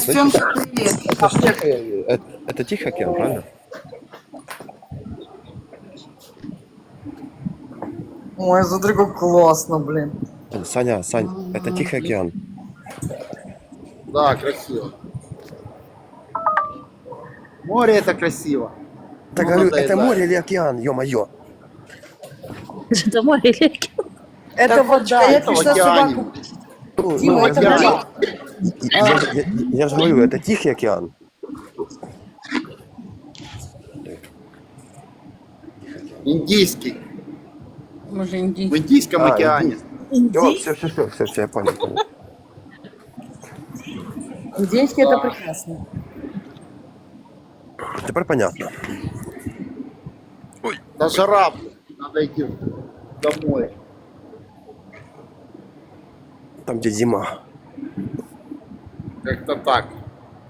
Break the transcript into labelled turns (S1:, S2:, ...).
S1: Сестренка, привет.
S2: Это, ж это Тихий океан, правильно?
S1: Ой, смотри, как классно, блин.
S2: Саня, Сань, это Тихий океан.
S3: Да, красиво. Море это красиво.
S2: Так
S3: Ну,
S2: говорю,
S3: надоедает.
S2: это море или океан, ё-моё.
S4: Это море или океан?
S1: Это
S3: Так,
S1: вода, я
S3: это в
S1: пришла
S3: океане.
S1: собаку.
S2: Ну,
S1: Дима,
S2: ну,
S1: это
S3: океан.
S1: вода.
S2: я же говорю, это Тихий океан.
S3: Индийский.
S1: Мы же
S3: В
S1: индийцы.
S3: Индийском океане.
S2: Все, я понял.
S1: Индийский это прекрасно.
S2: Теперь понятно.
S3: Да жара, блин. Надо идти домой.
S2: Там, где зима.
S3: Как-то так.